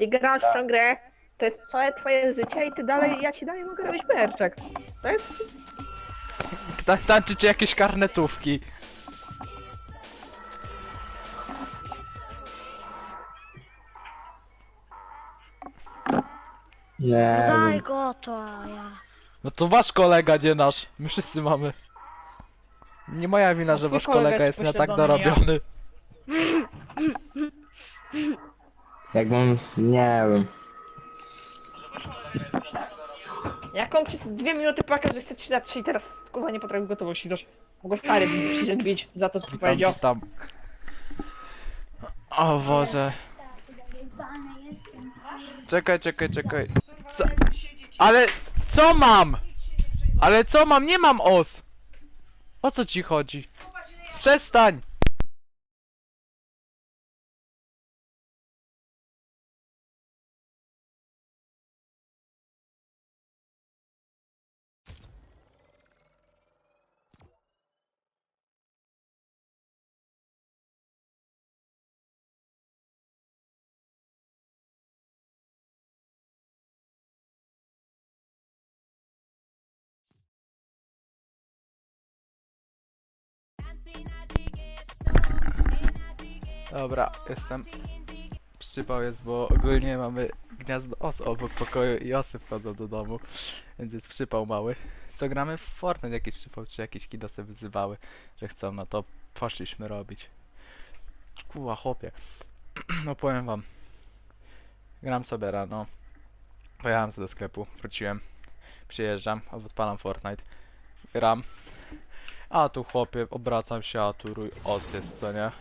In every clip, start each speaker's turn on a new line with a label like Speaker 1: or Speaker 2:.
Speaker 1: Ty grasz w tę grę, to jest całe twoje życie i ty dalej, ja ci dalej mogę robić perczek. To jest...
Speaker 2: Tańczycie jakieś karnetówki.
Speaker 3: Nie
Speaker 4: Daj
Speaker 3: wiem.
Speaker 4: go to, a ja.
Speaker 2: No to wasz kolega, nie nasz. My wszyscy mamy. Nie moja wina, że
Speaker 1: twój
Speaker 2: wasz
Speaker 1: kolega
Speaker 2: kolega
Speaker 1: jest
Speaker 2: jest nie tak
Speaker 1: pośledzony, nie ja.
Speaker 2: dorobiony.
Speaker 3: Jakbym... nie wiem.
Speaker 1: Jak on przez 2 minuty płakał, że chce 3 na 3 i teraz kurwa nie potrafił gotowości dać. Mogę stary przyjść bić za to, co
Speaker 2: Witam,
Speaker 1: powiedział.
Speaker 2: witam. O Boże. Czekaj. Co? Ale co mam? Ale co mam? Nie mam os. O co ci chodzi? Przestań! Dobra, jestem. Przypał jest, bo ogólnie mamy gniazdo os obok pokoju i osy wchodzą do domu. Więc jest przypał mały. Co gramy w Fortnite jakiś przypał, czy jakieś kidosy wyzywały, że chcą, no to poszliśmy robić. Kuła chłopie. No powiem wam. Gram sobie rano. Pojechałem sobie do sklepu, wróciłem. Przyjeżdżam, odpalam Fortnite. Gram. A tu chłopie, obracam się, a tu rój os jest, co nie?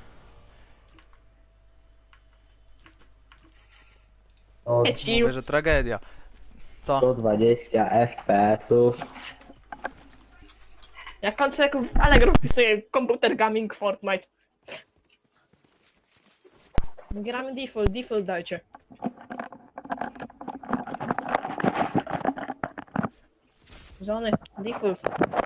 Speaker 3: O,
Speaker 2: Mówię, że tragedia. Co?
Speaker 3: 120 FPS-ów.
Speaker 1: Jak kończę jak w Allegro wpisuję komputer gaming Fortnite. Gramy default dajcie. Żony, default.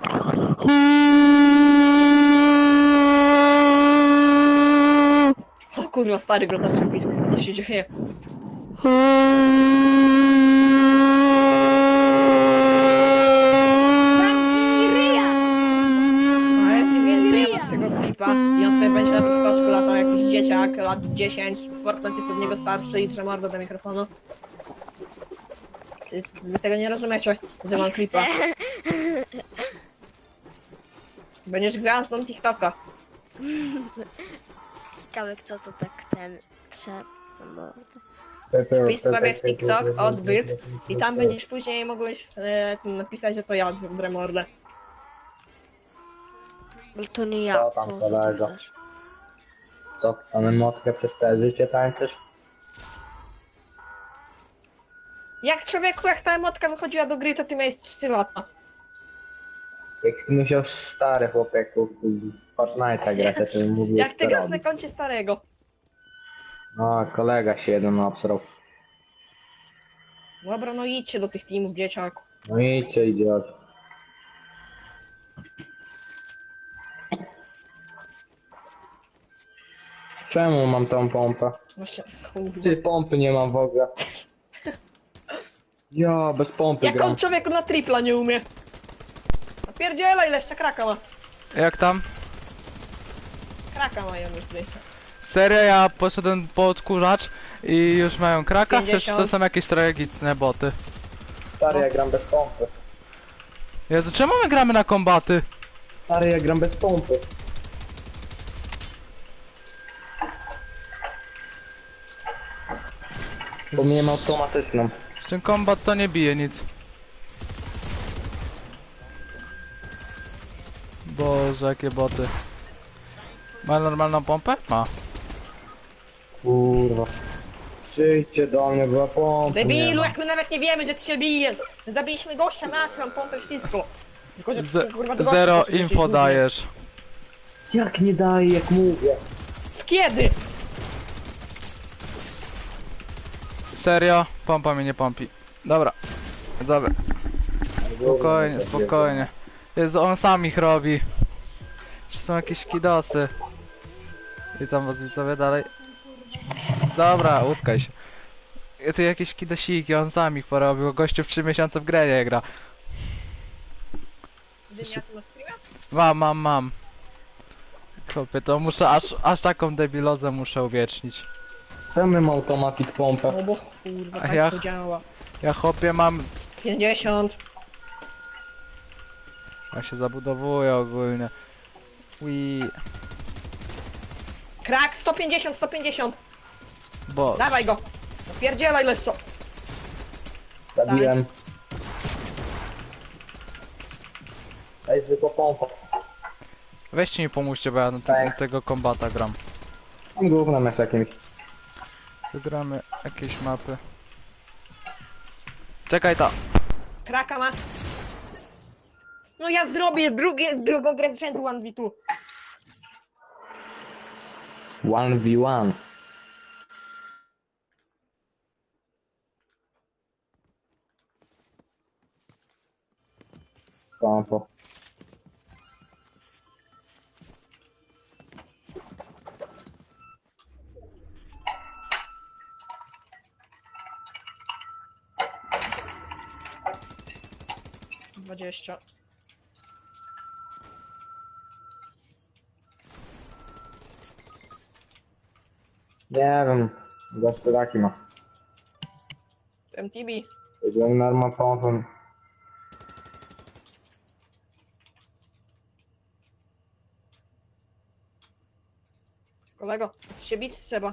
Speaker 1: O kurwa, stary go zaczął pić. Co się dzieje?
Speaker 4: Zamknij ryja!
Speaker 1: A ja ci więcej nie z tego klipa. I on sobie będzie na TikToku latał jakiś dzieciak, lat 10. Fortnite jest od niego starszy i trzyma mordę do mikrofonu. Wy tego nie rozumiecie, że mam klipa. Będziesz gwiazdą TikToka.
Speaker 4: Ciekawe kto to tak ten trzeba to mordę.
Speaker 1: Wpisz sobie w TikTok odbyt i tam będziesz później mogłeś napisać, że to ja zrobię mordę.
Speaker 4: Ale to nie ja.
Speaker 3: Co tam,
Speaker 4: to
Speaker 3: kolego?
Speaker 4: też.
Speaker 3: Co, mamy motkę przez całe życie tańczysz?
Speaker 1: Jak człowieku, jak ta emotka wychodziła do gry, to ty miałeś 3 lata.
Speaker 3: Jak ty musiał stary chłopaku w Fortnite'a grać, to bym mówił
Speaker 1: Jak ty
Speaker 3: co
Speaker 1: grasz na
Speaker 3: robić.
Speaker 1: koncie starego.
Speaker 3: No, kolega się jeden obsrał.
Speaker 1: Dobra, no idźcie do tych teamów, dzieciaku.
Speaker 3: No idźcie, idiot. Czemu mam tą pompę?
Speaker 1: Właśnie, kurwa.
Speaker 3: Ty pompy nie mam w ogóle. Ja, bez pompy
Speaker 1: Jak
Speaker 3: gram.
Speaker 1: on człowieku na tripla nie umie. Napierdziela, ile jeszcze kraka ma.
Speaker 2: Jak tam?
Speaker 1: Kraka mają już tutaj.
Speaker 2: Serio, ja poszedłem po odkurzacz i już mają kraka, przecież
Speaker 1: 50.
Speaker 2: to są jakieś tragiczne boty.
Speaker 3: Stary, ja gram bez pompy.
Speaker 2: Jezu, czemu my gramy na kombaty?
Speaker 3: Stary, ja gram bez pompy. Bo miałem automatyczną.
Speaker 2: Z tym kombat to nie bije nic. Boże, jakie boty. Ma normalną pompę? Ma.
Speaker 3: Kurwa. Przyjdźcie do mnie, bo ja pompy nie
Speaker 1: Debilu,
Speaker 3: mam.
Speaker 1: jak my nawet nie wiemy, że ty się bijesz. Zabiliśmy gościa, masz tam pompę, wszystko. Tylko, że ty, kurwa, do gościa
Speaker 2: Zero
Speaker 1: poszedłeś
Speaker 2: info
Speaker 1: i
Speaker 2: dajesz.
Speaker 3: Jak nie daję, jak mówię.
Speaker 1: Kiedy?
Speaker 2: Serio? Pompa mnie nie pompi. Dobra. Dobra. Spokojnie, spokojnie. Jezu, on sam ich robi. Czy są jakieś kidosy? Witam was widzowie dalej. Dobra, utkaj się. ty jakieś kidosiki, on sam ich porobił, gościu w 3 miesiące w grę nie gra.
Speaker 1: Dynia, ty masz streama?
Speaker 2: Mam. Chłopie, to muszę, aż taką debilozę muszę uwiecznić.
Speaker 3: Czemu mam automatic pompę?
Speaker 1: No bo kurwa,
Speaker 2: A
Speaker 1: tak
Speaker 2: ja-
Speaker 1: to działa.
Speaker 2: Ja chłopie mam...
Speaker 1: 50.
Speaker 2: Ja się zabudowuję ogólnie. Ui,
Speaker 1: Krak, 150, 150.
Speaker 2: boss.
Speaker 1: Dawaj go. Napierdzielaj leczo.
Speaker 3: Zabiłem. Daj zwykłą pompę.
Speaker 2: Weźcie mi pomóżcie, bo ja na
Speaker 3: Tak.
Speaker 2: tego kombata gram.
Speaker 3: Tam gównem jest jakimś.
Speaker 2: Zagramy jakieś mapy. Czekaj ta.
Speaker 1: Kraka ma. No ja zrobię drugą grę z rzędu 1v2.
Speaker 3: 1v1. Pompo.
Speaker 1: Dwadzieścia.
Speaker 3: Nie wiem. Gospodarki ma.
Speaker 1: MTB.
Speaker 3: Jeżeli norma pompą.
Speaker 1: Kolego, się bić trzeba.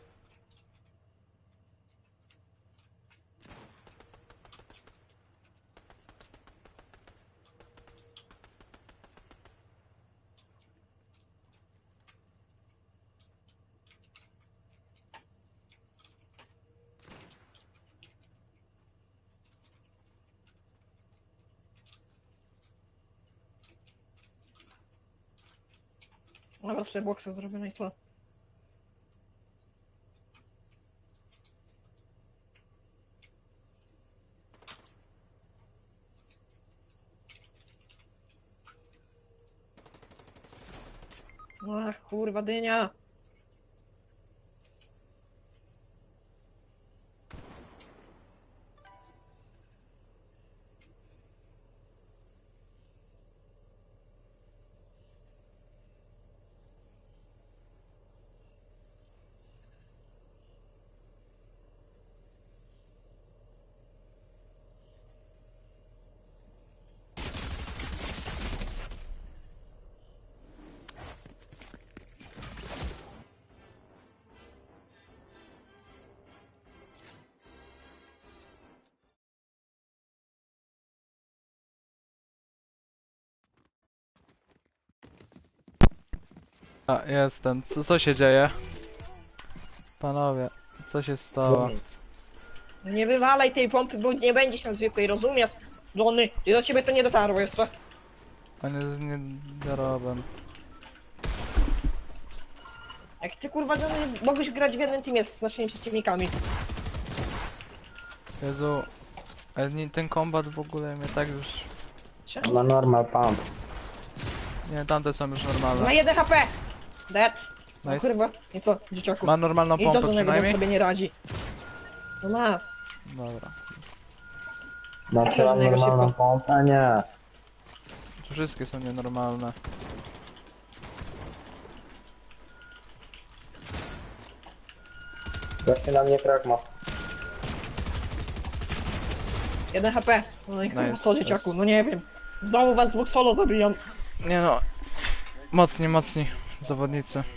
Speaker 1: Dobra, sobie boksa zrobię, no i co? Ach, kurwa, dynia.
Speaker 2: A, jestem. Co się dzieje? Panowie, co się stało?
Speaker 1: Nie wywalaj tej pompy, bo nie będziesz miał zwykłej, rozumiesz? Johnny, i do ciebie to nie dotarło jeszcze.
Speaker 2: Panie, nie zarobem.
Speaker 1: Jak ty kurwa, Johnny, mogłeś grać w jednym teamie z naszymi przeciwnikami.
Speaker 2: Jezu. Ale ten kombat w ogóle mnie tak już...
Speaker 1: Czemu?
Speaker 3: Ma normal pump.
Speaker 2: Nie, tamte są już
Speaker 1: Ma
Speaker 2: normalne.
Speaker 1: 1 HP! Dead! No
Speaker 2: Nice.
Speaker 1: kurwa, i co, dzieciaku?
Speaker 2: Ma normalną
Speaker 1: I to
Speaker 2: pompę
Speaker 1: do niego
Speaker 2: przynajmniej?
Speaker 1: sobie nie radzi. No ma.
Speaker 2: Dobra.
Speaker 3: Znaczy mam
Speaker 1: Żadnego
Speaker 3: normalną
Speaker 1: szybko.
Speaker 3: pompę? Nie.
Speaker 2: Tu wszystkie są nienormalne.
Speaker 3: Właśnie na mnie krak ma.
Speaker 1: 1 HP. No i kurwa,
Speaker 2: Nice,
Speaker 1: co dzieciaku,
Speaker 2: nice.
Speaker 1: no nie wiem. Znowu was dwóch solo zabijam.
Speaker 2: Nie no. Mocni zawodnicy.